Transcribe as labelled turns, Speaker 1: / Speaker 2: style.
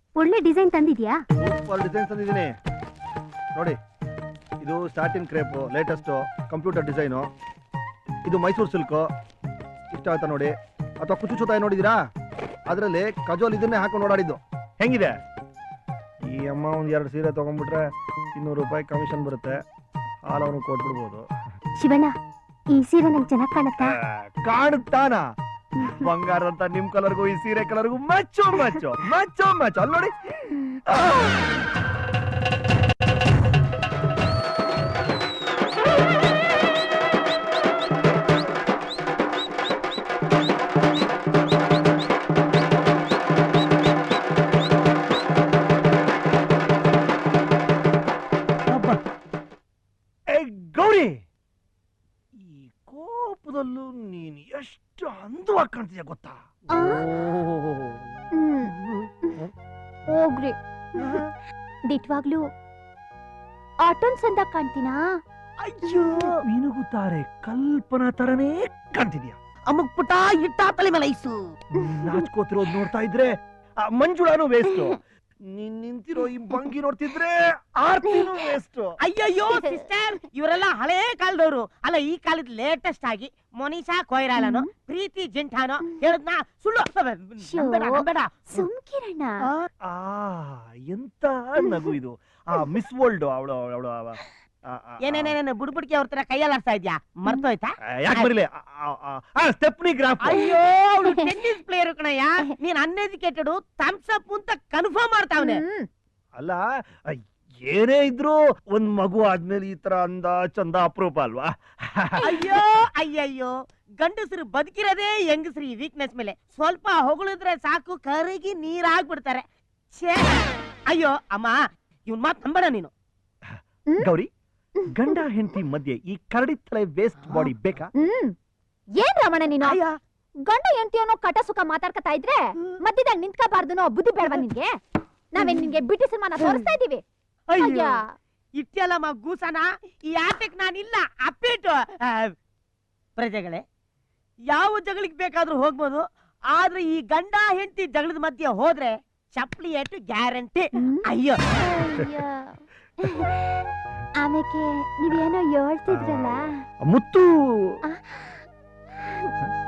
Speaker 1: ಒಳ್ಳೆ design ತಂದಿದ್ಯಾ?
Speaker 2: Super design ತಂದಿದ್ದೀನಿ ನೋಡಿ. ಇದು starting crepe latest computer design. ಇದು ಮೈಸೂರು ಸಿಲ್ಕು. ಇಷ್ಟ ಆಯ್ತಾ ನೋಡಿ? ಅಥವಾ ಕುಚುಚುತಾಯಿ ನೋಡಿದೀರಾ? ಅದರಲ್ಲಿ ಕಜೋಲ್ ಇದನ್ನೇ ಹಾಕೊಂಡು ಓಡಾಡಿದ್ದು. ಹೆಂಗಿದೆ? ಈ ಅಮ್ಮ ಒಂದ್ 2 ಸೀರೆ ತಗೊಂಡ್ಬಿಟ್ರೆ 200 ರೂಪಾಯಿ ಕಮಿಷನ್ ಬರುತ್ತೆ. ಹಾಲು ಅವನು ಕೊಟ್ಬಿಡ್ಬೋದು.
Speaker 1: ಶಿವಣ್ಣ, ಈ ಸೀರೆ ನಂಗೆ ಚೆನ್ನಾಗಿ ಕಾಣುತ್ತಾ?
Speaker 2: ಕಾಣುತ್ತಾನ? ಬಂಗಾರ ಅಂತ ನಿಮ್ ಕಲರ್ಗೂ ಈ ಸೀರೆ ಕಲರ್ಗೂ ಮಚ್ಚೋ ಮಚ್ಚೋ ಮಚ್ಚೋ ಮಚ್ಚೋ. ಅಲ್ಲಿ ನೋಡಿ. ಗೌರಿ, ಈ ಕೋಪದಲ್ಲೂ ನೀನ್ ಎಷ್ಟು ಅಂದವಾಗಿ ಕಾಣ್ತೀಯ ಗೊತ್ತಾ?
Speaker 1: ಹೋಗ್ರಿ, ದಿಟ್ವಾಗ್ಲೂ ಆಟೋನ್ ಸಂದ ಕಾಣ್ತೀನಾ?
Speaker 2: ಅಯ್ಯೋ, ಮಿನುಗುತ್ತಾರೆ ಕಲ್ಪನಾ ತರನೇ ಕಾಣ್ತಿದ್ಯಾ.
Speaker 3: ಅಮ್ಮಗ್ ಪುಟ ಇಟ್ಟ ತಲೆ ಮೇಲೆ ಐಸು.
Speaker 2: ನಾಚ್ಕೋತಿರೋದ್ ನೋಡ್ತಾ ಇದ್ರೆ ಮಂಜುಳಾನು ವೇಸ್ಟ್. ನೀನ್ ನಿಂತಿರೋ ಈ ಭಂಗಿ ನೋಡ್ತಿದ್ರೆ ಆರ್ತಿನೂ ವೇಸ್ಟ್.
Speaker 3: ಅಯ್ಯಯ್ಯೋ ಸಿಸ್ಟರ್, ಇವರೆಲ್ಲ ಹಳೇ ಕಾಲದವರು ಅಲ್ಲ. ಈ ಕಾಲದ ಲೇಟೆಸ್ಟ್ ಆಗಿ ಮೊನಿಷಾ ಕೊಯ್ರಾಲನೋ ಪ್ರೀತಿ ಜಿಂಠಾನೋ ಹೇಳದ್ನ ಸುಳ್ಳು. ನಂಬೇಡ.
Speaker 1: ಸುಮ್ಕಿರಣ್ಣ.
Speaker 2: ಎಂತ ನಗು ಇದು. ಮಿಸ್ ವರ್ಲ್ಡ್ ಅವಳು
Speaker 3: ಏನೇನೇನೇನು ಬುಡ್ಬುಡ್ಕಿ ಅವ್ರ ತರ ಕೈಯಲ್ಲಿ ಆಡ್ತಾ ಇದ್ಯಾ? ಮರ್ತೋಯ್ತಾ?
Speaker 2: ಯಾಕೆ ಬರಲಿ? Stepney graph.
Speaker 3: ಅಯ್ಯೋ, ಟೆನ್ನಿಸ್ ಪ್ಲೇಯರ್ ಕಣಯ್ಯ. ನೀನ್ ಅನ್ಎಜುಕೇಟೆಡ್ ಥಮ್ಸ್ ಅಪ್ ಅಂತ ಕನ್ಫರ್ಮ್ ಮಾಡ್ತಾವನೆ.
Speaker 2: ಅಲ್ಲ, ಏನೇ ಇದ್ರು ಒಂದ್ ಮಗು ಆದ್ಮೇಲೆ ಈ ತರ ಅಂದ ಚಂದ ಅಪರೂಪ ಅಲ್ವಾ?
Speaker 3: ಅಯ್ಯೋ ಅಯ್ಯಯ್ಯೋ, ಗಂಡಸರು ಬದುಕಿರೋದೇ ಹೆಂಗಸ್ರಿ ಈ ವೀಕ್ನೆಸ್ ಮೇಲೆ. ಸ್ವಲ್ಪ ಹೊಗಳಿದ್ರೆ ಸಾಕು ಕರಗಿ ನೀರಾಗ್ಬಿಡ್ತಾರೆ. ಅಯ್ಯೋ ಅಮ್ಮ, ಇವನ್ ಮಾತ್ ನಂಬೇಡ ನೀನು.
Speaker 2: ಗೌರಿ, ಗಂಡ ಹೆಂಡತಿ ಮಧ್ಯೆ ಈ ಕರಡಿ ತಲೆ ವೇಸ್ಟ್ ಬಾಡಿ ಬೇಕಾ?
Speaker 1: ಏನ್ ರಮಣ ನೀನು? ಗಂಡ ಹೆಂಡತಿ ಅನ್ನೋ ಕಟ ಸುಖ ಮಾತಾಡ್ಕತಾ ಇದ್ರೆ ಮಧ್ಯದಾಗ ನಿಂತ್ಕೋಬಾರ್ದು ಅನ್ನೋ ಬುದ್ಧಿ ಬೇಡವಾ ನಿನ್ಗೆ? ನಾವೇನ್ ನಿನ್ಗೆ ಬಿಟಿ ಸಿನಿಮಾನ ತೋರಿಸ್ತಾ ಇದೀವಿ?
Speaker 3: ಅಯ್ಯೋ, ಇಟ್ಟೆಲ್ಲಮ್ಮ ಗೂಸನ ಈ ಆಟಕ್ ನಾನಿಲ್ಲ ಅಪ್ಪಿಟ್ಟು. ಪ್ರಜೆಗಳೇ, ಯಾವ ಜಗಳಿಗೆ ಬೇಕಾದ್ರೂ ಹೋಗ್ಬೋದು, ಆದ್ರೆ ಈ ಗಂಡ ಹೆಂಡತಿ ಜಗಳದ ಮಧ್ಯೆ ಹೋದ್ರೆ ಚಪ್ಪಲಿ ಏಟು ಗ್ಯಾರಂಟಿ. ಅಯ್ಯೋ,
Speaker 1: ಆಮೇಲೆ ನೀವೇನೋ ಹೇಳ್ತಿದ್ರಲ್ಲ
Speaker 2: ಮುತ್ತು.